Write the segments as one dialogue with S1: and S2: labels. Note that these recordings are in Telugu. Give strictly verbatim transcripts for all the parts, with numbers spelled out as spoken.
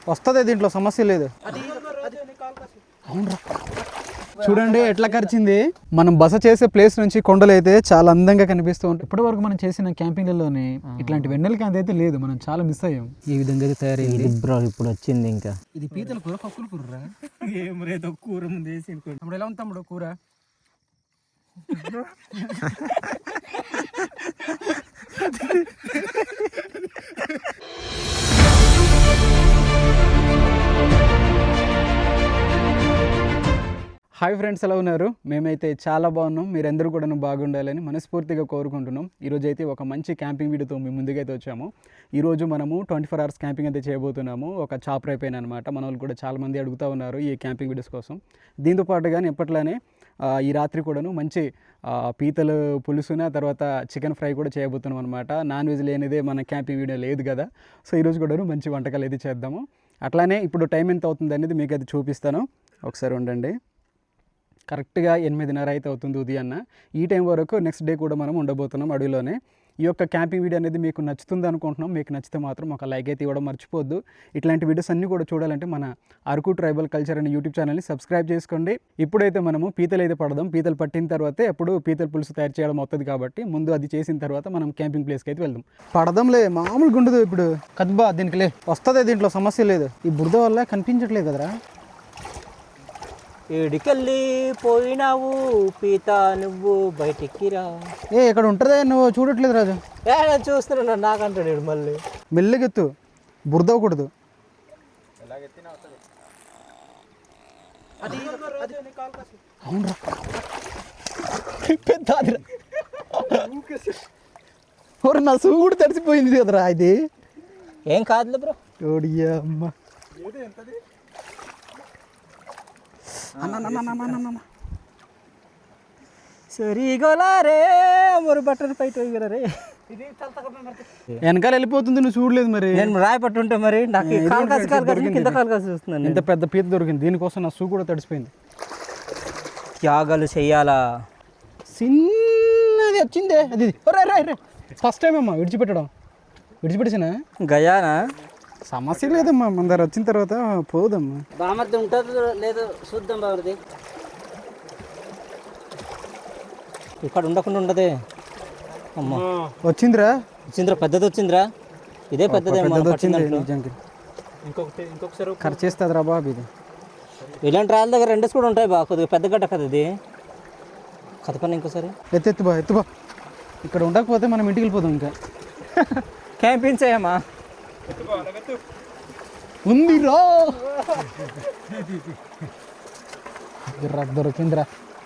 S1: వస్తుంది, దీంట్లో సమస్య లేదు. అవునరా, చూడండి ఎట్లా ఖర్చింది. మనం బస చేసే ప్లేస్ నుంచి కొండలు అయితే చాలా అందంగా కనిపిస్తూ ఉంటాయి. ఇప్పటి వరకు మనం చేసిన క్యాంపింగ్లలోనే ఇట్లాంటి వెన్నెల కాంతి అయితే లేదు, మనం చాలా మిస్ అయ్యాం. ఈ విధంగా అయితే తయారైంది
S2: బ్రో, ఇప్పుడు వచ్చింది. ఇంకా
S1: ఇది పీతల కూర, పప్పుల కూర. ఏం రేదో కూర ముందు వేసి తమ్ముడు, ఎలా ఉంది తమ్ముడు కూర? హాయ్ ఫ్రెండ్స్, ఎలా ఉన్నారు? మేమైతే చాలా బాగున్నాం. మీరందరూ కూడా బాగుండాలని మనస్ఫూర్తిగా కోరుకుంటున్నాం. ఈరోజు అయితే ఒక మంచి క్యాంపింగ్ వీడియోతో మీ ముందుకైతే వచ్చాము. ఈరోజు మనము ట్వంటీ ఫోర్ అవర్స్ క్యాంపింగ్ అయితే చేయబోతున్నాము. ఒక చాపర్ అయిపోయిన అనమాట. మన వాళ్ళు కూడా చాలామంది అడుగుతూ ఉన్నారు ఈ క్యాంపింగ్ వీడియోస్ కోసం. దీంతో పాటుగానే ఎప్పట్లానే ఈ రాత్రి కూడాను మంచి పీతలు పులుసున తర్వాత చికెన్ ఫ్రై కూడా చేయబోతున్నాం అనమాట. నాన్ వెజ్ లేనిదే మన క్యాంపింగ్ వీడియో లేదు కదా. సో ఈరోజు కూడాను మంచి వంటకాలు అయితే చేద్దాము. అట్లానే ఇప్పుడు టైం ఎంత అవుతుంది అనేది మీకు అయితే చూపిస్తాను. ఒకసారి ఉండండి. కరెక్ట్గా ఎనిమిదిన్నర అయితే అవుతుంది ఉదయాన్న. ఈ టైం వరకు నెక్స్ట్ డే కూడా మనం ఉండబోతున్నాం అడవిలోనే. ఈ యొక్క క్యాంపింగ్ వీడియో అనేది మీకు నచ్చుతుంది అనుకుంటున్నాం. మీకు నచ్చితే మాత్రం ఒక లైక్ అయితే ఇవ్వడం మర్చిపోద్దు. ఇట్లాంటి వీడియోస్ అన్నీ కూడా చూడాలంటే మన అరకు ట్రైబల్ కల్చర్ అనే యూట్యూబ్ ఛానల్ని సబ్స్క్రైబ్ చేసుకోండి. ఇప్పుడైతే మనము పీతలు అయితే పడదాం. పీతలు పట్టిన తర్వాతే అప్పుడు పీతల పులుసు తయారు చేయడం అవుతుంది కాబట్టి ముందు అది చేసిన తర్వాత మనం క్యాంపింగ్ ప్లేస్కి అయితే వెళ్దాం. పడదాంలే, మామూలుగా ఉండదు. ఇప్పుడు కద్బా దీనికిలే వస్తుంది, దీంట్లో సమస్య లేదు. ఈ బురద వల్ల కనిపించట్లేదు కదరా.
S2: ఏడికెళ్ళి పోయినావు పీత, నువ్వు బయటికి రా.
S1: ఏ ఇక్కడ ఉంటుందే, నువ్వు చూడట్లేదు రాజు.
S2: ఏ చూస్తున్నా, నాకంటాడు మళ్ళీ.
S1: మెల్లగెత్తు, బురద అవ్వకూడదు. అవునరా, నా సూ కూడా తడిసిపోయింది కదరా. ఇది
S2: ఏం కాదులే బ్రో.
S1: ఓడియా అమ్మ,
S2: సరిగోలారే మరి బట్టలు పైట రే.
S1: వెనకాల వెళ్ళిపోతుంది, నువ్వు చూడలేదు మరి.
S2: నేను రాయి పట్టుంటే మరి నాకు కాలు కాసి కాలు కాసి కింద కాలు కాసి చూస్తున్నాను.
S1: ఇంత పెద్ద పీత దొరికింది, దీనికోసం నా సూ కూడా తడిసిపోయింది.
S2: త్యాగాలు చెయ్యాలా?
S1: చిన్నది వచ్చిందే అది. ఫస్ట్ టైం అమ్మా విడిచిపెట్టడం. విడిచిపెట్టేసిన
S2: గయానా
S1: సమస్య లేదమ్మా, మన దగ్గర వచ్చిన తర్వాత పోదమ్మా.
S2: బామర్ది ఉంటుందో లేదో చూద్దాం. బామర్ది ఇక్కడ ఉండకుండా ఉండదే. అమ్మా
S1: వచ్చిందిరా,
S2: వచ్చిందిరా, పెద్దది వచ్చిందిరా. ఇదే పెద్దదే
S1: వచ్చింది నిజానికి. ఇంకొకటి ఇంకొకసారి ఖర్చు చేస్తుంది రా బాబు. ఇది
S2: ఇలాంటి రాళ్ళ దగ్గర రెండేసి కూడా ఉంటాయి బా. కొద్దిగా పెద్ద గడ్డ కదా ఇది. కథ పని ఇంకోసారి
S1: ఎత్తు ఎత్తు బా, ఎత్తు బా. ఇక్కడ ఉండకపోతే మనం ఇంటికి వెళ్ళిపోదాం. ఇంకా
S2: క్యాంపింగ్ చేయమ్మా.
S1: ఉందిరా, దొరికిందిరా.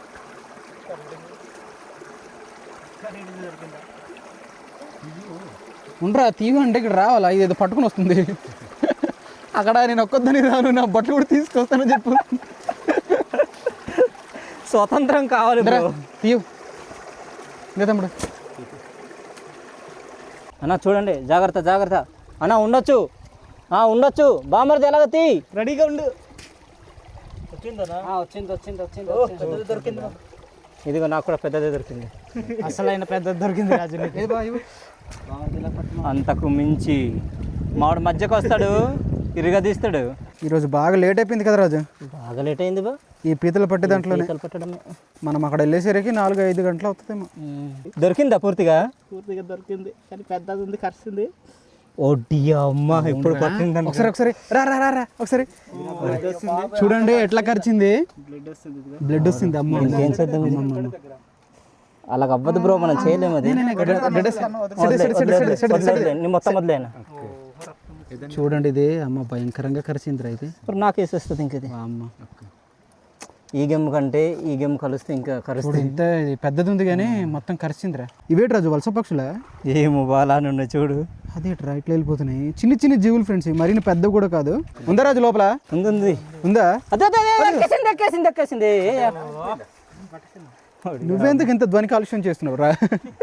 S1: ఉండరా, తీవ అంటే ఇక్కడ రావాలా? ఇదేదో పట్టుకుని వస్తుంది. అక్కడ నేను ఒక్కొద్దని రాను, నా బట్టలు కూడా తీసుకొస్తానని చెప్పు.
S2: స్వతంత్రం కావాలి
S1: తీవు. ఇంకా తమ్ముడు
S2: అన్న చూడండి, జాగ్రత్త జాగ్రత్త అన్న. ఉండొచ్చు ఉండొచ్చు. బామర్ది ఎలాగ తీ, రెడీగా ఉండు. వచ్చిందనా? వచ్చింది వచ్చింది వచ్చింది దొరికింది. ఇదిగో నాకు కూడా పెద్దదే దొరికింది.
S1: అసలైన పెద్దది దొరికింది రాజు.
S2: అంతకు మించి మామిడి మధ్యకు వస్తాడు, ఇరగదీస్తాడు.
S1: ఈరోజు బాగా లేట్ అయిపోయింది కదా రాజు.
S2: బాగా లేట్ అయింది బా.
S1: ఈ పీతలు పట్టే దాంట్లోనే
S2: పట్టడమే.
S1: మనం అక్కడ వెళ్ళేసరికి నాలుగు ఐదు గంటలు అవుతుందేమో.
S2: దొరికిందా పూర్తిగా?
S3: పూర్తిగా దొరికింది, కానీ పెద్దది ఉంది, కరిసింది.
S2: ఓడి అమ్మ, ఇప్పుడు పట్టింది.
S1: ఒకసారి ఒకసారి రా రా రా రా ఒకసారి చూడండి ఎట్లా కరిచింది. బ్లడ్ వస్తుంది. అమ్మ
S2: ఏం చేద్దాం, అలాగ అవ్వదు బ్రో, మనం చేయలేము. అది మొత్తం మొదలైనా
S1: చూడండి. ఇది అమ్మ భయంకరంగా కరిచింది. అయితే
S2: ఇప్పుడు నాకు వేసేస్తుంది ఇంక ఇది.
S1: అమ్మ
S2: ఈ గెమ్ కంటే ఈ గెమ్ కలిస్తే ఇంకా కరుస్తుంది.
S1: ఇంత పెద్దది ఉంది కానీ మొత్తం కరిచిందిరా. ఇవేటి రాజు, వలస పక్షులా?
S2: ఏమో బాలా నుండి చూడు.
S1: అదేట్రా ఇట్లా వెళ్ళిపోతున్నాయి. చిన్న చిన్న జీవులు ఫ్రెండ్స్, మరీ పెద్ద కూడా కాదు. ఉందా రాజు లోపల?
S2: ఉంది
S1: ఉందా?
S2: అదే ఎక్కేసింది ఎక్కేసింది ఎక్కేసింది.
S1: నువ్వెందుకు ఇంత ధ్వని కాలుష్యం చేస్తున్నావు రా?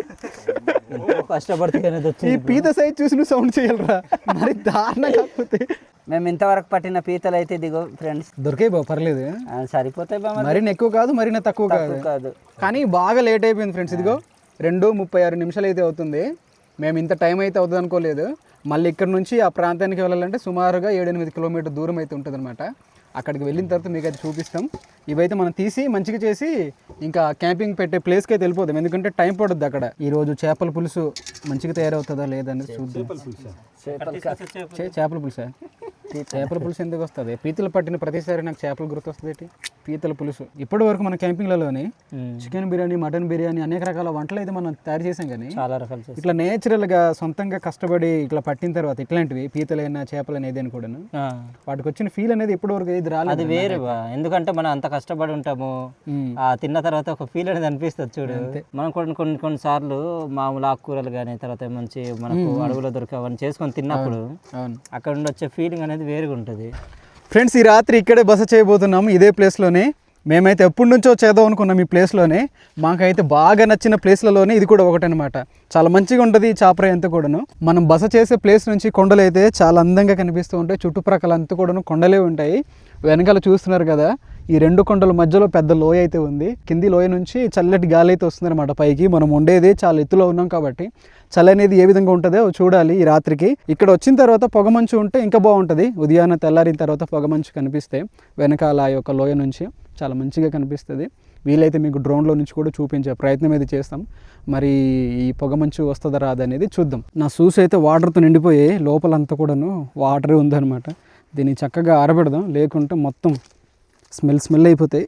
S2: కష్టపడితే
S1: ఈ పీత సైజ్ చూసి నువ్వు సౌండ్ చేయాలరా, మరి దారుణ. కాకపోతే
S3: మేము ఇంతవరకు పట్టిన పీతలు అయితే ఇదిగో ఫ్రెండ్స్
S1: దొరికాయి బా, పర్లేదు.
S3: సరిపోతాయి బా.
S1: మరీ ఎక్కువ కాదు, మరీ తక్కువ కాదు.
S3: కాదు
S1: కానీ బాగా లేట్ అయిపోయింది ఫ్రెండ్స్. ఇదిగో రెండు ముప్పై ఆరు నిమిషాలు అయితే అవుతుంది. మేము ఇంత టైం అయితే అవుతుంది అనుకోలేదు. మళ్ళీ ఇక్కడ నుంచి ఆ ప్రాంతానికి వెళ్ళాలంటే సుమారుగా ఏడెనిమిది కిలోమీటర్ దూరం అయితే ఉంటుంది అనమాట. అక్కడికి వెళ్ళిన తర్వాత మీకు అయితే చూపిస్తాం. ఇవైతే మనం తీసి మంచిగా చేసి ఇంకా క్యాంపింగ్ పెట్టే ప్లేస్కి అయితే వెళ్ళిపోతాం, ఎందుకంటే టైం పడుద్ది అక్కడ. ఈరోజు చేపల పులుసు మంచిగా తయారవుతుందా లేదనేది చూద్దాం. చే- చేపల పులుసా? చేపల పులుసు ఎందుకు వస్తుంది? పీతలు పట్టిన ప్రతిసారి నాకు చేపలు గుర్తొస్తుంది. పీతల పులుసు ఇప్పటి వరకు మన క్యాంపింగ్లలోని చికెన్ బిర్యానీ, మటన్ బిర్యానీ అనేక రకాల వంటలు అయితే మనం తయారు చేసాం. కానీ
S2: చాలా రకాలు చేస్తాం.
S1: ఇట్లా నేచురల్గా సొంతంగా కష్టపడి ఇట్లా పట్టిన తర్వాత ఇట్లాంటివి పీతలైనా చేపలైనా ఏదైనా కూడాను వాటికి వచ్చిన ఫీల్ అనేది ఎప్పటి వరకు ఇది రాలేదు.
S2: అది వేరే బా, ఎందుకంటే మనం అంత కష్టపడి ఉంటాము, ఆ తిన్న తర్వాత ఒక ఫీల్ అనేది అనిపిస్తుంది చూడు. మనం కొన్ని కొన్ని కొన్ని సార్లు మామూలు ఆకుకూరలు కానీ తర్వాత మంచి మనకు అడవులో దొరికే అవన్నీ చేసుకొని తిన్నప్పుడు
S1: అవును,
S2: అక్కడ నుండి వచ్చే ఫీలింగ్ అనేది వేరుగా ఉంటుంది.
S1: ఫ్రెండ్స్ ఈ రాత్రి ఇక్కడే బస చేయబోతున్నాము, ఇదే ప్లేస్లోనే. మేమైతే ఎప్పటి నుంచో చేద్దాం అనుకున్నాం ఈ ప్లేస్లోనే. మాకైతే బాగా నచ్చిన ప్లేస్లలోనే ఇది కూడా ఒకటనమాట. చాలా మంచిగా ఉంటుంది ఈ చాపరాయి అంతా కూడాను. మనం బస చేసే ప్లేస్ నుంచి కొండలు అయితే చాలా అందంగా కనిపిస్తూ ఉంటాయి. చుట్టుప్రక్కల అంతా కూడాను కొండలే ఉంటాయి. వెనకాల చూస్తున్నారు కదా, ఈ రెండు కొండల మధ్యలో పెద్ద లోయ అయితే ఉంది. కింది లోయ నుంచి చల్లటి గాలి అయితే వస్తుందన్నమాట పైకి. మనం ఉండేది చాలా ఎత్తులో ఉన్నాం కాబట్టి చలి అనేది ఏ విధంగా ఉంటుందో చూడాలి ఈ రాత్రికి. ఇక్కడ వచ్చిన తర్వాత పొగమంచు ఉంటే ఇంకా బాగుంటుంది. ఉదయాన్నే తెల్లారిన తర్వాత పొగమంచు కనిపిస్తే వెనకాల ఆ యొక్క లోయ నుంచి చాలా మంచిగా కనిపిస్తుంది. వీలైతే మీకు డ్రోన్లో నుంచి కూడా చూపించే ప్రయత్నం అయితే చేస్తాం. మరి ఈ పొగమంచు వస్తుందా రాదా అనేది చూద్దాం. నా షూస్ అయితే వాటర్తో నిండిపోయి లోపలంతా కూడాను వాటరే ఉందన్నమాట. దీన్ని చక్కగా ఆరబెడదాం, లేకుంటే మొత్తం స్మెల్ స్మెల్ అయిపోతాయి.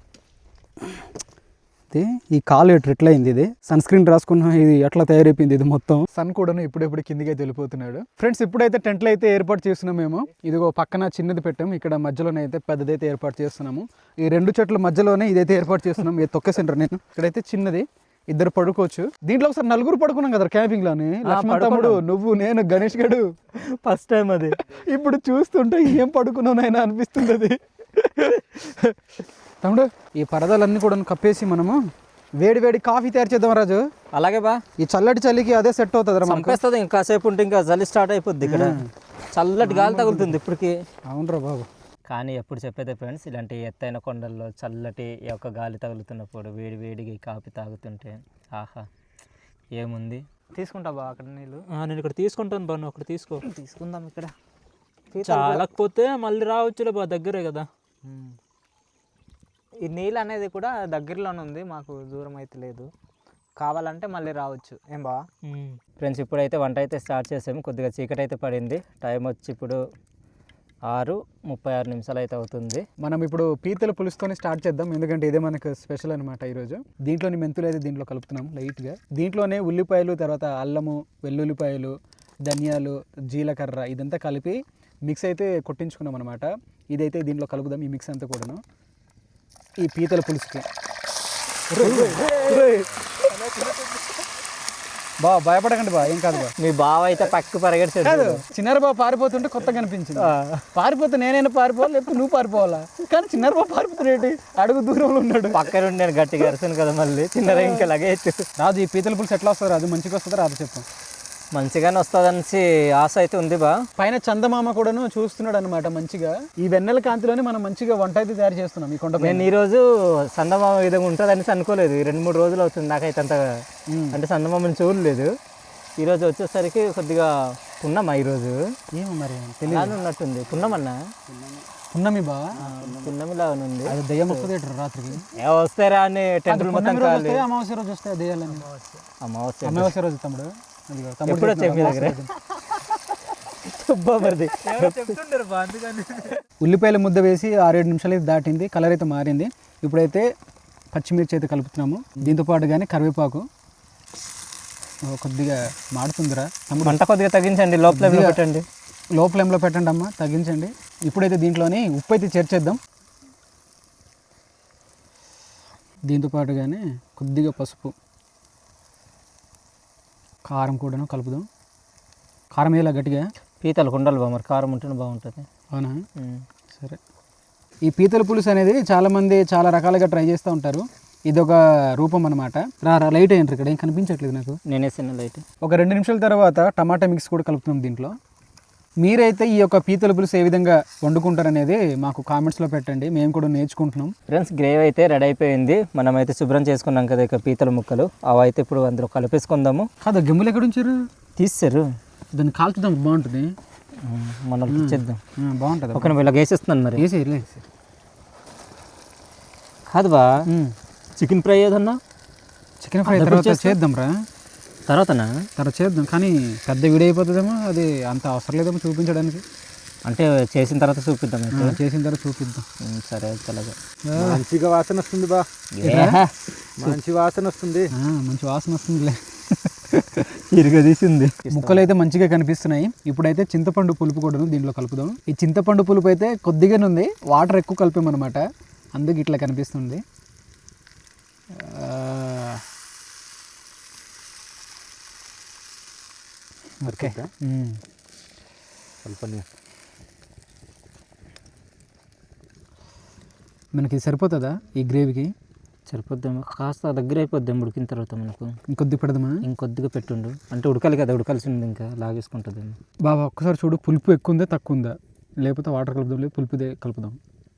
S1: అయితే ఈ కాలు ఎట్లా ఎట్లా అయింది, ఇది సన్ స్క్రీన్ రాసుకున్న ఇది ఎట్లా తయారైపోయింది ఇది మొత్తం. సన్ కూడాను ఇప్పుడెప్పుడు కిందికి అయితే వెళ్ళిపోతున్నాడు. ఫ్రెండ్స్ ఇప్పుడైతే టెంట్లు అయితే ఏర్పాటు చేస్తున్నాం మేము. ఇదిగో పక్కన చిన్నది పెట్టాము, ఇక్కడ మధ్యలోనే అయితే పెద్దదైతే ఏర్పాటు చేస్తున్నాము. ఈ రెండు చెట్ల మధ్యలోనే ఇదైతే ఏర్పాటు చేస్తున్నాం. ఇది తొక్కేసిండ్రు నేను. ఇక్కడైతే చిన్నది, ఇద్దరు పడుకోవచ్చు. దీంట్లో ఒకసారి నలుగురు పడుకున్నాం కదా క్యాంపింగ్ లోని. లక్ష్మణ్ తమ్ముడు, నువ్వు, నేను, గణేష్ గడు
S2: ఫస్ట్ టైం అది.
S1: ఇప్పుడు చూస్తుంటే ఏం పడుకున్నానైనా అనిపిస్తుంది అది. తమ్ముడు ఈ పరదాలన్నీ కూడా కప్పేసి మనము వేడి వేడి కాఫీ తయారు చేద్దాం రాజు.
S2: అలాగే బా,
S1: ఈ చల్లటి చలికి అదే సెట్ అవుతుంది రా.
S2: చంపేస్తుంది ఇంకా కాసేపు ఉంటే, ఇంకా చలి స్టార్ట్ అయిపోద్ది. ఇక్కడ చల్లటి గాలి తగులుతుంది ఇప్పటికి.
S1: అవునరా బాబు.
S2: కానీ ఎప్పుడు చెప్పేదే ఫ్రెండ్స్, ఇలాంటి ఎత్తైన కొండల్లో చల్లటి ఈ యొక్క గాలి తగులుతున్నప్పుడు వేడి వేడిగా కాఫీ తాగుతుంటే ఆహా ఏముంది.
S3: తీసుకుంటా బా అక్కడ నీళ్ళు.
S4: నేను ఇక్కడ తీసుకుంటాను బా, నువ్వు అక్కడ తీసుకో.
S3: తీసుకుందాం ఇక్కడ.
S4: చాలకపోతే మళ్ళీ రావచ్చులే బా, దగ్గరే కదా.
S3: ఈ నీళ్ళు అనేది కూడా దగ్గరలోనే ఉంది, మాకు దూరం అయితే లేదు. కావాలంటే మళ్ళీ రావచ్చు. ఏం బా
S2: ఫ్రెండ్స్ ఇప్పుడైతే వంట అయితే స్టార్ట్ చేసాము. కొద్దిగా చీకటి అయితే పడింది. టైం వచ్చి ఇప్పుడు ఆరు ముప్పై ఆరు నిమిషాలు అయితే అవుతుంది.
S1: మనం ఇప్పుడు పీతల పులుసుతోనే స్టార్ట్ చేద్దాం, ఎందుకంటే ఇదే మనకు స్పెషల్ అనమాట ఈరోజు. దీంట్లోని మెంతులు అయితే దీంట్లో కలుపుతున్నాం లైట్గా. దీంట్లోనే ఉల్లిపాయలు, తర్వాత అల్లము, వెల్లుల్లిపాయలు, ధనియాలు, జీలకర్ర ఇదంతా కలిపి మిక్స్ అయితే కొట్టించుకున్నాం అనమాట. ఇదైతే దీంట్లో కలుపుదాం, ఈ మిక్స్ అంతా కూడాను ఈ పీతల పులుసుకి. బా భయపడకండి బా, ఏం కాదు బా.
S2: మీ బావ అయితే పక్క పరిగెడిచాడు.
S1: కాదు, చిన్నారు బాబు పారిపోతుంటే కొత్తగా కనిపించింది. పారిపోతే నేనైనా పారిపోవాలి, లేకపోతే నువ్వు పారిపోవాలా? కానీ చిన్నారు బాబు పారిపోతున్నాడు, అడుగు దూరంలో ఉన్నాడు.
S2: పక్క నుండి నేను గట్టిగా అరిసాను కదా, మళ్ళీ చిన్నగా ఇంకా లగేజ్.
S1: రాజు ఈ పీతల పులుసు ఎట్లా వస్తుంది రాజు? మంచిగా వస్తుందా రాదు చెప్పు.
S2: మంచిగానే వస్తుందనేసి ఆశ అయితే ఉంది బా.
S1: పైన చందమామ కూడాను చూస్తున్నాడు అనమాట మంచిగా. ఈ వెన్నెల కాంతిలోనే మనం మంచిగా వంట అయితే తయారు చేస్తున్నాం ఈ కొండ.
S2: నేను ఈరోజు సందమామ విధంగా ఉంటుంది అనేసి అనుకోలేదు. ఈ రెండు మూడు రోజులు అవుతుంది నాకైతే అంత, అంటే సందమామని చూడలేదు. ఈరోజు వచ్చేసరికి కొద్దిగా పున్నమా ఈరోజు
S1: ఏమో మరి
S2: తెలియదు ఉన్నట్టుంది. పున్నమన్నా
S1: పున్నమి బా,
S2: పున్నమిలా ఉంది.
S1: అది దయ్యం వస్తుంది రాత్రికి.
S2: ఏ వస్తారా అని టెంపుల్ మొత్తం కాదు.
S1: అమావాస్య రోజు వస్తాయి దయ్యాలని.
S2: అమావాస్య
S1: అమావాస్య రోజు తమ్ముడు
S2: ఎప్పుడు వచ్చాయి మీ దగ్గర?
S1: ఉల్లిపాయల ముద్ద వేసి ఆరేడు నిమిషాలు అయితే దాటింది, కలర్ అయితే మారింది. ఇప్పుడైతే పచ్చిమిర్చి అయితే కలుపుతున్నాము. దీంతో పాటు కానీ కరివేపాకు కొద్దిగా మాడుతుందిరా తమ్ముడు.
S2: మంట కొద్దిగా తగ్గించండి, లో ఫ్లేమ్లో పెట్టండి.
S1: లో ఫ్లేమ్లో పెట్టండి అమ్మ, తగ్గించండి. ఇప్పుడైతే దీంట్లోని ఉప్పు అయితే చేర్చేద్దాం. దీంతో పాటు కానీ కొద్దిగా పసుపు, కారం కూడాను కలుపుదాం. కారం వేయాల గట్టిగా.
S2: పీతలు ఉండాలి బా, మరి కారం ఉంటేనే బాగుంటుంది.
S1: అవునా, సరే. ఈ పీతల పులుసు అనేది చాలామంది చాలా రకాలుగా ట్రై చేస్తూ ఉంటారు. ఇదొక రూపం అనమాట. రా రా లైట్ అయ్యింటారు, ఇక్కడ ఏం కనిపించట్లేదు నాకు.
S2: నేనే చిన్న లైట్.
S1: ఒక రెండు నిమిషాల తర్వాత టమాటా మిక్స్ కూడా కలుపుతున్నాం దీంట్లో. మీరైతే ఈ యొక్క పీతల పులుసు ఏ విధంగా వండుకుంటారనేది మాకు కామెంట్స్లో పెట్టండి, మేము కూడా నేర్చుకుంటున్నాం.
S2: ఫ్రెండ్స్ గ్రేవీ అయితే రెడీ అయిపోయింది. మనమైతే శుభ్రం చేసుకున్నాం కదా ఇక పీతల ముక్కలు, అవి అయితే ఇప్పుడు అందులో కలిపేసుకుందాము.
S1: కాదు గిమ్ములు ఎక్కడ ఉంచారు?
S2: తీస్తారు,
S1: దాన్ని కాల్చుదాం, బాగుంటుంది.
S2: మనం ఇచ్చేద్దాం,
S1: బాగుంటుంది.
S2: ఒక ఇలా వేసేస్తున్నాను మరి.
S1: వేసి
S2: కాదు బా, చికెన్ ఫ్రై ఏదన్నా
S1: చికెన్ ఫ్రై తర్వాత చేద్దాం రా,
S2: తర్వాతనా
S1: తర్వాత చేద్దాం. కానీ పెద్ద వీడియో అయిపోతుందేమో, అది అంత అవసరం లేదేమో చూపించడానికి.
S2: అంటే చేసిన తర్వాత చూపిద్దాం,
S1: చేసిన తర్వాత చూపిద్దాం.
S2: సరే అలాగే.
S3: మంచిగా వాసన వస్తుంది బా, మంచి వాసన వస్తుంది,
S1: మంచి వాసన వస్తుందిలే.
S2: ఇరుగా తీసింది.
S1: ముక్కలు అయితే మంచిగా కనిపిస్తున్నాయి. ఇప్పుడైతే చింతపండు పులుపు కూడా దీంట్లో కలుపుదాం. ఈ చింతపండు పులుపు అయితే కొద్దిగానే ఉంది, వాటర్ ఎక్కువ కలిపామన్నమాట, అందుకు ఇట్లా కనిపిస్తుంది. ఓకే, మనకి సరిపోతుందా ఈ గ్రేవీకి?
S2: సరిపోద్దాము, కాస్త దగ్గర అయిపోద్దాం ఉడికిన తర్వాత. మనకు
S1: ఇంకొద్ది పెడదామా?
S2: ఇంకొద్దిగా పెట్టుండు, అంటే ఉడకాలి కదా, ఉడకాల్సి ఉంది, ఇంకా లాగేసుకుంటుంది.
S1: బాబా ఒక్కసారి చూడు, పులుపు ఎక్కువ ఉందా తక్కువ ఉందా, లేకపోతే వాటర్ కలుపుదాం, లేదు పులుపుదే కలుపుదాం.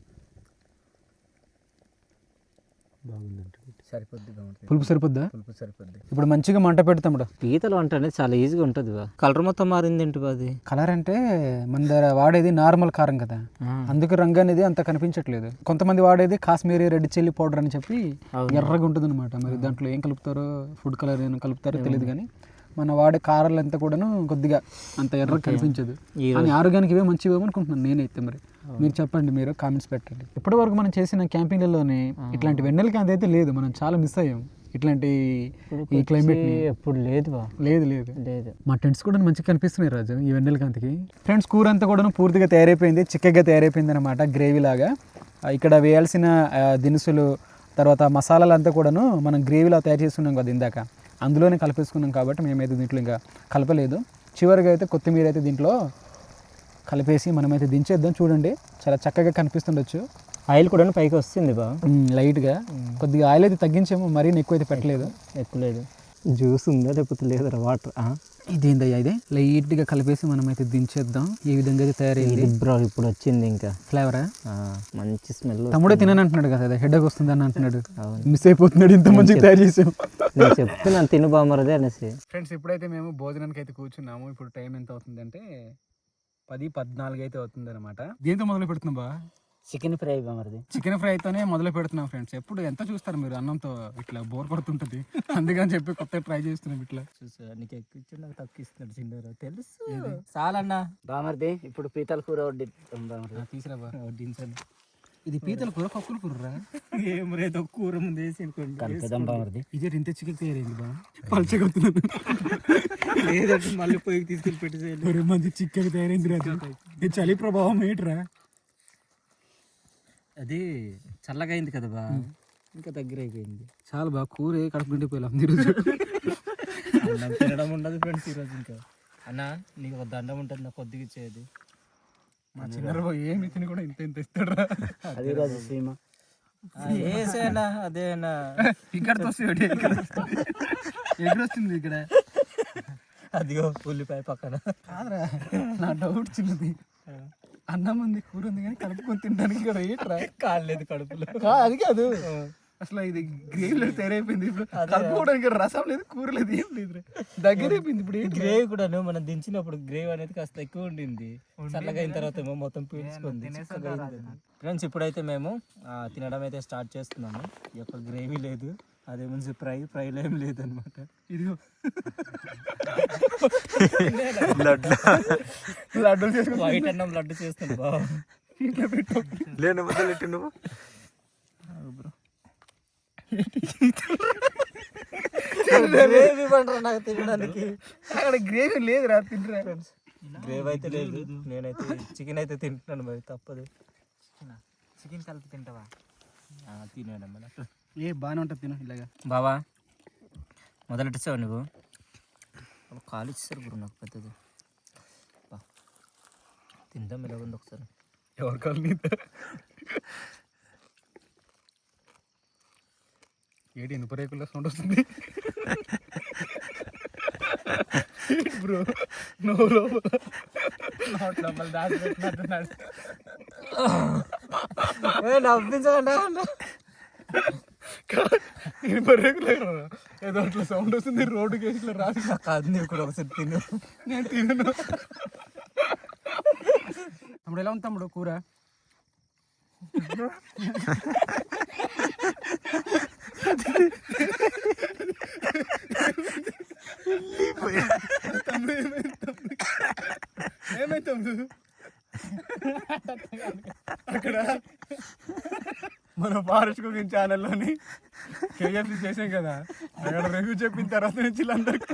S2: సరిపోద్ది,
S1: పులుపు సరిపోద్దా?
S2: పులుపు సరిపోద్ది.
S1: ఇప్పుడు మంచిగా మంట పెడతాం.
S2: పీతలు వంట అనేది చాలా ఈజీగా ఉంటుంది బా. కలర్ మొత్తం మారింది ఏంటి బా అది?
S1: కలర్ అంటే మన దగ్గర వాడేది నార్మల్ కారం కదా, అందుకు రంగు అనేది అంత కనిపించట్లేదు. కొంతమంది వాడేది కాశ్మీరీ రెడ్ చిల్లీ పౌడర్ అని చెప్పి ఎర్రగా ఉంటుంది అనమాట. మరి దాంట్లో ఏం కలుపుతారో, ఫుడ్ కలర్ ఏం కలుపుతారో తెలియదు, కానీ మన వాడే కారాలు అంతా కూడాను కొద్దిగా అంత ఎర్రగా కనిపించదు. కానీ ఆరోగ్యానికి ఇవే మంచివేమో అనుకుంటున్నాను నేనైతే. మరి మీరు చెప్పండి, మీరు కామెంట్స్ పెట్టండి. ఇప్పటి వరకు మనం చేసిన క్యాంపింగ్లలోనే ఇట్లాంటి వెన్నెల కాంతి అయితే లేదు, మనం చాలా మిస్ అయ్యాం ఇట్లాంటి ఈ క్లైమేట్.
S2: ఎప్పుడు లేదు బా,
S1: లేదు లేదు
S2: లేదు.
S1: మా టెంట్స్ కూడా మంచిగా కనిపిస్తున్నాయి రాజు ఈ వెన్నెల కాంతికి. ఫ్రెండ్స్ కూర అంతా కూడా పూర్తిగా తయారైపోయింది, చిక్కగా తయారైపోయింది అనమాట, గ్రేవీ లాగా. ఇక్కడ వేయాల్సిన దినుసులు తర్వాత మసాలాలు అంతా కూడాను మనం గ్రేవీలా తయారు చేసుకున్నాం కదా ఇందాక, అందులోనే కలిపేసుకున్నాం కాబట్టి మేమైతే దీంట్లో ఇంకా కలపలేదు. చివరిగా అయితే కొత్తిమీర అయితే దీంట్లో కలిపేసి మనమైతే దించేద్దాం. చూడండి చాలా చక్కగా కనిపిస్తుండొచ్చు.
S2: ఆయిల్ కూడా పైకి వస్తుంది బా,
S1: లైట్గా. కొద్దిగా ఆయిల్ అయితే తగ్గించాము, మరీ ఎక్కువ అయితే పెట్టలేదు.
S2: ఎక్కువ లేదు, జ్యూస్ ఉందా లేకపోతే లేదా వాటర్?
S1: ఇదేందయ్యా, ఇదే లైట్గా కలిపేసి మనమైతే దించేద్దాం. ఈ విధంగా అయితే తయారైంది
S2: బ్రో. ఇప్పుడు వచ్చింది ఇంకా
S1: ఫ్లేవరా,
S2: మంచి స్మెల్.
S1: తమ్ముడే తినని అంటున్నాడు కదా, అదే హెడ్ వస్తుంది అని అంటున్నాడు, మిస్ అయిపోతున్నాడు. ఇంత మంచిగా తయారు చేసాం.
S2: నేను చెప్తున్నాను తిను బామరదే అనేసి.
S1: ఫ్రెండ్స్ ఇప్పుడైతే మేము భోజనానికి అయితే కూర్చున్నాము. ఇప్పుడు టైం ఎంత అవుతుంది అంటే పది పద్నాలుగు అయితే అవుతుంది అనమాట. దీంతో మొదలు పెడుతున్నాం బా,
S2: చికెన్ ఫ్రై బామరది.
S1: చికెన్ ఫ్రై అయితేనే మొదలు పెడుతున్నాం ఫ్రెండ్స్. ఎప్పుడు ఎంత చూస్తారు మీరు అన్నంతో, ఇట్లా బోర్ కొడుతుంటది, అందుకని చెప్పి కొత్తగా ట్రై చేస్తున్నాం. ఇట్లా
S2: చూసా, నీకు ఎక్కువ నాకు తక్కువ ఇస్తున్నాడు చిన్న, తెలుసు చాలన్నా బామర్ది. ఇప్పుడు పీతల కూర వడ్డీ
S1: తీసురా బా,
S2: వడ్డించండి.
S1: ఇది పీతల కూర పక్కుల కూర
S2: ఏం రేదో కూర ముందు వేసి అనుకోండి బామర్ది.
S1: ఇదే ఇంత చికెన్ తయారైంది బా, పలచగొత్తున్నాను.
S2: లేదంటే మళ్ళీ పొయ్యి తీసుకెళ్ళి పెట్టి
S1: మంది చికెన్ తయారైంది రాదు. ఇది చలి ప్రభావం ఏంట్రా,
S2: అది చల్లగా అయింది కదా బా, ఇంకా దగ్గర అయిపోయింది.
S1: చాలా బాగా కూర కడుపు నిండిపోయాం ఈరోజు.
S2: అన్నం తినడం ఉండదు ఫ్రెండ్స్ ఈరోజు. ఇంకా అన్న నీకు ఒక దండం ఉంటుంది, నాకు కొద్దిగా ఇచ్చేది.
S1: మా చిన్న ఏమి తిని కూడా ఇంత ఇంత ఇస్తాడు.
S2: అదే రాజు సీమ ఏసేనా, అదేనా
S1: ఇక్కడ వస్తుంది, ఎక్కడ వస్తుంది ఇక్కడ,
S2: అదిగో ఉల్లిపాయ పక్కన.
S1: కాదురా, నా డౌట్ చిన్నది, అన్నం ఉంది కూర ఉంది కానీ కలుపుకొని తినడానికి ఇక్కడ ఏట్రా
S2: కాలేదు కడుపులో.
S1: అది కాదు, అసలు ఇది గ్రేవీలో తయారైపోయింది. ఇప్పుడు కలుపుకోవడానికి రసం లేదు, కూర లేదు, ఏం లేదు, దగ్గర అయిపోయింది. ఇప్పుడు
S2: గ్రేవీ కూడా మనం దించినప్పుడు గ్రేవీ అనేది కాస్త ఎక్కువ ఉండింది, చల్లగా అయిన తర్వాత ఏమో మొత్తం పీల్చుకుంది. ఫ్రెండ్స్ ఇప్పుడైతే మేము తినడం అయితే స్టార్ట్ చేస్తున్నాము. ఈ యొక్క గ్రేవీ లేదు, అదే మంచి ఫ్రై ఫ్రైలో ఏం లేదనమాట.
S1: ఇదిగో
S2: లడ్డు
S1: లడ్డూలు చేసుకుని
S2: వైట్ అన్నం లడ్డు చేస్తాను బాబు.
S3: లేని మొదలెట్టి నువ్వు
S2: గ్రేవీ పంటరా నాకు తినడానికి.
S1: అక్కడ గ్రేవీ లేదు రా, తింటరా.
S2: గ్రేవీ అయితే లేదు, నేనైతే చికెన్ అయితే తింటున్నాను, మరి తప్పదు.
S3: చికెన్ కలిపి తింటావా?
S2: తినేయడం
S1: ఏ బాగానే ఉంటుంది, తిన ఇలాగా.
S2: బావా మొదలెట్టిస్తావు నువ్వు, కాలు ఇచ్చేసారు గురు నాకు పెద్దది. తిందాం ఇలా ఉంది ఒకసారి.
S1: ఎవరు కాలు ఏడు ఇనుప రేకుల్లో సౌండ్ వస్తుంది. బ్రో నో లోపల
S3: లోపల దాచి పెట్టినట్టున్నాడు. నవ్వించకుండా
S1: రెగ్యులర్ ఏదో అట్లా సౌండ్ వస్తుంది రోడ్డుకి వేసి ఇట్లా రాసి
S2: కాదు నీవు కూడా ఒకసారి తిను.
S1: నేను తినను. తమ్ముడు ఎలా ఉంది తమ్ముడు కూర? తమ్ముడు ఏమైంది తమ్ముడు? అక్కడ మన ఫారెస్ట్ కుకింగ్ ఛానల్లోని కేఎఫ్సి చేసాం కదా, అక్కడ రివ్యూ చెప్పిన తర్వాత నుంచి వీళ్ళందరికీ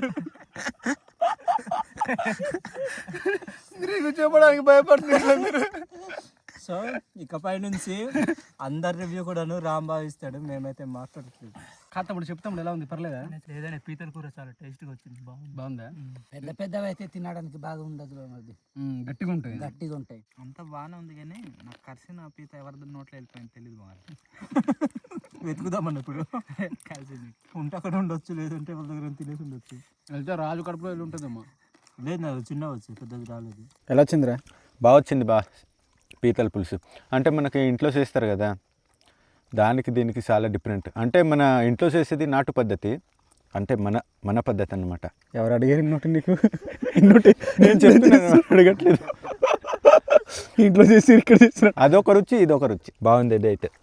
S1: రివ్యూ చెప్పడానికి భయపడుతున్నారు వీళ్ళందరూ.
S2: సో ఇకపై నుంచి అందరి రివ్యూ కూడాను రామ్ భావిస్తాడు, మేమైతే మాట్లాడట్లేదు.
S1: కాతమ్ముడు చెప్తాము ఎలా ఉంది, పర్లేదా?
S4: ఏదైనా పీతల కూర చాలా టేస్ట్గా వచ్చింది, బాగుంది.
S1: బాగుందా?
S5: పెద్ద పెద్దవి అయితే తినడానికి బాగా ఉండదు అది,
S1: ఉమ్, గట్టిగా ఉంటుంది.
S5: గట్టిగా ఉంటాయి.
S3: అంత బాగానే ఉంది కానీ నాకు కరిసిన పీత ఎవరిది నోట్లో వెళ్ళిపోయింది తెలియదు బాగా.
S2: వెతుకుదామన్న ఇప్పుడు కలిసి ఉంటే అక్కడ ఉండొచ్చు, లేదంటే వాళ్ళ దగ్గర తినేసి ఉండొచ్చు.
S1: వెళ్తే రాజు కడుపులో వెళ్ళి ఉంటుందమ్మా.
S2: లేదు నాకు చిన్న వచ్చు, పెద్దది రాలేదు.
S1: ఎలా వచ్చిందిరా?
S6: బాగా వచ్చింది బా పీతల పులుసు. అంటే మనకి ఇంట్లో చేస్తారు కదా, దానికి దీనికి చాలా డిఫరెంట్. అంటే మన ఇంట్లో చేసేది నాటు పద్ధతి, అంటే మన మన పద్ధతి అన్నమాట.
S1: ఎవరు అడిగారు నోటి నీకు? నోటి
S6: నేను చెప్తున్నాను, అడగట్లేదు.
S1: ఇంట్లో చేసి ఇక్కడ చేసిన
S6: అదొక రుచి, ఇదొక రుచి. బాగుంది ఇది అయితే.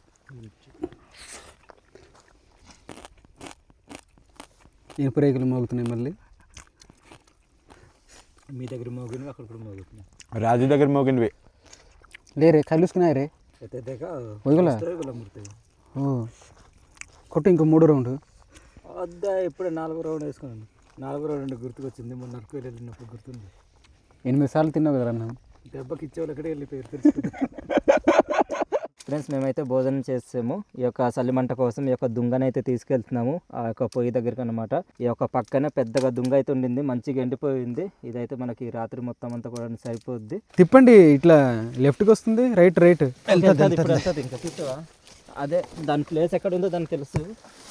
S1: ఇనుప రేకులు మోగుతున్నాయి మళ్ళీ.
S2: మీ దగ్గర మోగినవి అక్కడ కూడా మోగుతున్నాయి.
S6: రాజు దగ్గర మోగినవి
S1: లేరే కలుసుకున్నాయి రే. వదిగోలా? ఓ కొట్టు ఇంకో మూడో రౌండ్.
S2: వద్దా ఇప్పుడే నాలుగో రౌండ్ వేసుకున్నాను. నాలుగో రౌండ్ గుర్తుకొచ్చింది, మొన్న నరకు వెళ్ళినప్పుడు గుర్తుంది.
S1: ఎనిమిది సార్లు తిన్నావు కదా అన్న.
S2: దెబ్బకి ఇచ్చేవాళ్ళు ఎక్కడే వెళ్ళిపోయారు తెలుసు. ఫ్రెండ్స్ మేమైతే భోజనం చేసాము. ఈ యొక్క సల్లిమంట కోసం ఈ యొక్క దుంగనైతే తీసుకెళ్తున్నాము ఆ యొక్క పొయ్యి దగ్గరికి అనమాట. ఈ యొక్క పక్కన పెద్దగా దుంగ అయితే ఉండింది, మంచిగా ఎండిపోయింది. ఇదైతే మనకి రాత్రి మొత్తం అంతా కూడా సరిపోద్ది.
S1: తిప్పండి, ఇట్లా లెఫ్ట్కి వస్తుంది, రైట్ రైట్.
S2: ఇప్పుడు వెళ్తుంది ఇంకా చూసావా? అదే దాని ప్లేస్ ఎక్కడ ఉందో దానికి తెలుసు.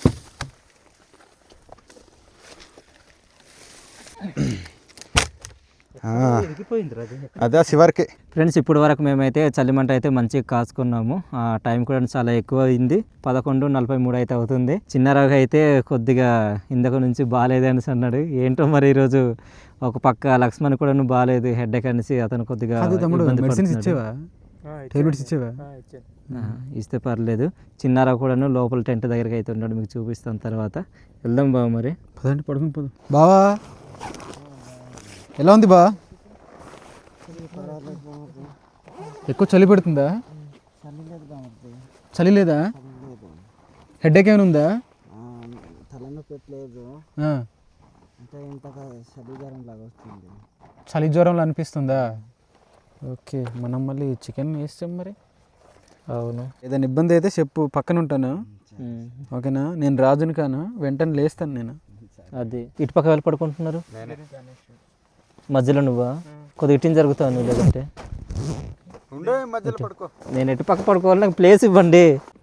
S6: అదే శివారికి.
S2: ఫ్రెండ్స్ ఇప్పుడు వరకు మేమైతే చలిమంట అయితే మంచిగా కాసుకున్నాము. ఆ టైం కూడా చాలా ఎక్కువ అయింది, పదకొండు నలభై మూడు అయితే అవుతుంది. చిన్నరావు అయితే కొద్దిగా ఇందక నుంచి బాగాలేదు అనేసి అన్నాడు. ఏంటో మరి ఈరోజు ఒక పక్క లక్ష్మణ్ కూడా బాగాలేదు, హెడ్ ఎక్ అనేసి అతను కొద్దిగా
S1: మెడిసిన్స్ ఇచ్చేవా? టాబ్లెట్స్ ఇచ్చేవా?
S2: ఇస్తే పర్లేదు. చిన్నారావు కూడా లోపల టెంట్ దగ్గరికి అయితే ఉన్నాడు, మీకు చూపిస్తాను తర్వాత. వెళ్దాం బావ మరి.
S1: పదండి పడుకుని పోదాం. బావా ఎలా ఉంది బా? ఎక్కువ చలి పెడుతుందా? చలి లేదా? హెడ్ ఏక్ ఏమైనా ఉందా?
S5: తలనొప్పి పెట్టలేదు అంటే ఇంతగా చలి జ్వరం లాగా వస్తుంది.
S1: చలి జ్వరంలో అనిపిస్తుందా? ఓకే, మనం మళ్ళీ చికెన్ వేస్తాం మరి.
S2: అవును,
S1: ఏదైనా ఇబ్బంది అయితే చెప్పు, పక్కన ఉంటాను. ఓకేనా? నేను రాజుని కాను, వెంటనే లేస్తాను నేను.
S2: అది ఇటు పక్క వెళ్ళి పడుకుంటున్నారు మధ్యలో. నువ్వా? కొద్దిగా ఇటు జరుగుతావు నువ్వు, లేదంటే నేను ఎటు పక్క పడుకోవాలి, నాకు ప్లేస్ ఇవ్వండి.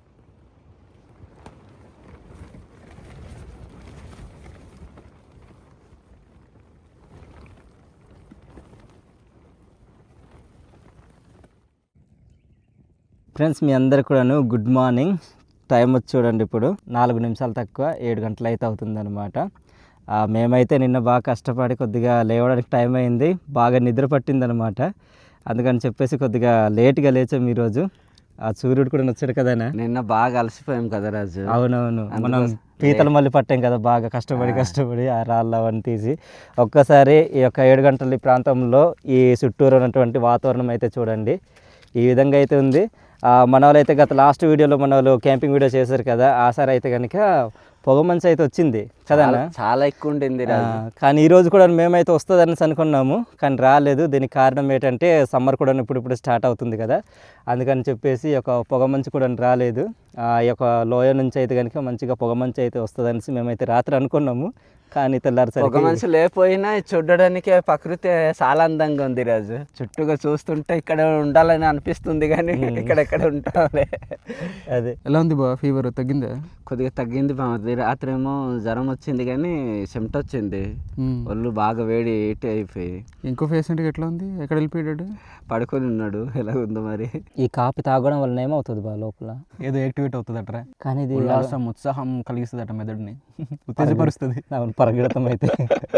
S2: ఫ్రెండ్స్ మీ అందరికి కూడాను గుడ్ మార్నింగ్. టైం వచ్చి చూడండి, ఇప్పుడు నాలుగు నిమిషాలు తక్కువ ఏడు గంటలు అయితే అవుతుంది అనమాట. మేమైతే నిన్న బాగా కష్టపడి కొద్దిగా లేవడానికి టైం అయింది, బాగా నిద్ర పట్టిందనమాట. అందుకని చెప్పేసి కొద్దిగా లేట్గా లేచాం ఈరోజు. ఆ సూర్యుడు కూడా నచ్చాడు కదా.
S5: నిన్న బాగా అలసిపోయాం కదా రాజు.
S2: అవునవును, మనం పీతలు మళ్ళీ పట్టాం కదా బాగా కష్టపడి కష్టపడి ఆ రాళ్ళు అవన్నీ తీసి. ఒక్కసారి ఈ యొక్క ఏడు గంటల ఈ ప్రాంతంలో ఈ చుట్టూరు ఉన్నటువంటి వాతావరణం అయితే చూడండి, ఈ విధంగా అయితే ఉంది. మన వాళ్ళు అయితే గత లాస్ట్ వీడియోలో మన వాళ్ళు క్యాంపింగ్ వీడియో చేశారు కదా, ఆ సారి అయితే కనుక పొగ మంచు అయితే వచ్చింది కదా,
S5: చాలా ఎక్కువ ఉండింది.
S2: కానీ ఈరోజు కూడా మేమైతే వస్తుంది అనేసి అనుకున్నాము, కానీ రాలేదు. దీనికి కారణం ఏంటంటే సమ్మర్ కూడా ఇప్పుడు ఇప్పుడు స్టార్ట్ అవుతుంది కదా, అందుకని చెప్పేసి ఒక పొగ మంచు కూడా రాలేదు. ఈ యొక్క లోయ నుంచి అయితే కనుక మంచిగా పొగ మంచు అయితే వస్తుంది అనేసి మేమైతే రాత్రి అనుకున్నాము, కానీ
S5: ఒక
S2: తెల్లారిసరికి
S5: మనిషి లేకపోయినా చూడడానికి ప్రకృతి చాలా అందంగా ఉంది రాజు. చుట్టూగా చూస్తుంటే ఇక్కడ ఉండాలని అనిపిస్తుంది కానీ ఇక్కడ ఎక్కడ ఉంటాలే.
S2: అదే
S1: ఎలా ఉంది బా ఫీవర్ తగ్గిందా?
S5: కొద్దిగా తగ్గింది బాగుంది. రాత్రి ఏమో జ్వరం వచ్చింది కానీ చెమట వచ్చింది, ఒళ్ళు బాగా వేడి ఏటి అయిపోయి.
S1: ఇంకో పేషెంట్కి ఎట్లా ఉంది? ఎక్కడ వెళ్ళిపోయాడు?
S5: పడుకొని ఉన్నాడు. ఎలా ఉందో మరి.
S2: ఈ కాపీ తాగడం వల్ల ఏమవుతుంది బా లోపల?
S1: ఏదో యాక్టివేట్ అవుతుంది అట్రా,
S2: కానీ ఇది
S1: ఉల్లాసం ఉత్సాహం కలిగిస్తుంది అట మెదడుని, ఉత్తేజపరుస్తుంది.
S2: అవును, పరగడతం అయితే.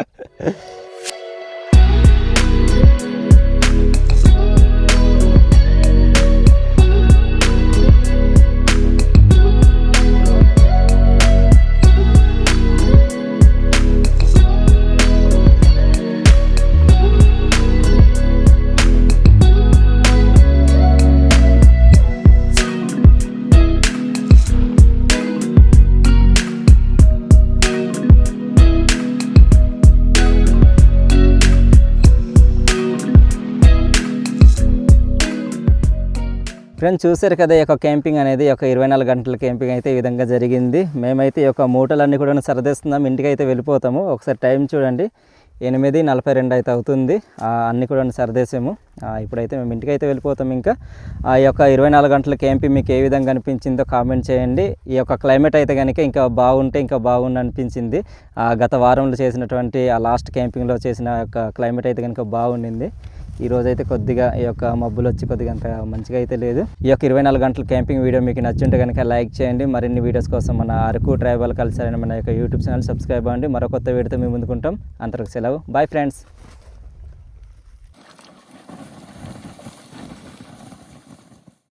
S2: ఫ్రెండ్స్ చూసారు కదా, ఈ యొక్క క్యాంపింగ్ అనేది ఒక ఇరవై నాలుగు గంటల క్యాంపింగ్ అయితే ఈ విధంగా జరిగింది. మేమైతే ఈ యొక్క మూటలన్నీ కూడా సరదేస్తున్నాం, ఇంటికి అయితే వెళ్ళిపోతాము. ఒకసారి టైం చూడండి, ఎనిమిది నలభై రెండు అయితే అవుతుంది. అన్నీ కూడా సరదేసాము. ఇప్పుడైతే మేము ఇంటికి అయితే వెళ్ళిపోతాం. ఇంకా ఆ యొక్క ఇరవై నాలుగు గంటల క్యాంపింగ్ మీకు ఏ విధంగా అనిపించిందో కామెంట్ చేయండి. ఈ యొక్క క్లైమేట్ అయితే కనుక ఇంకా బాగుంటే ఇంకా బాగుండి అనిపించింది. గత వారంలో చేసినటువంటి ఆ లాస్ట్ క్యాంపింగ్లో చేసిన యొక్క క్లైమేట్ అయితే కనుక బాగుండింది. ఈ రోజు అయితే కొద్దిగా ఈ యొక్క మబ్బులు వచ్చి కొద్దిగా అంత మంచిగా అయితే లేదు. ఈ యొక్క ఇరవై నాలుగు గంటల క్యాంపింగ్ వీడియో మీకు నచ్చుంటే కనుక లైక్ చేయండి. మరిన్ని వీడియోస్ కోసం మన అరకు ట్రైబల్ కల్చర్ అనే మన యొక్క యూట్యూబ్ ఛానల్ సబ్స్క్రైబ్ అవ్వండి. మరో కొత్త వీడియోతో మేము ముందుకుంటాం. అంతవరకు సెలవు. Bye friends.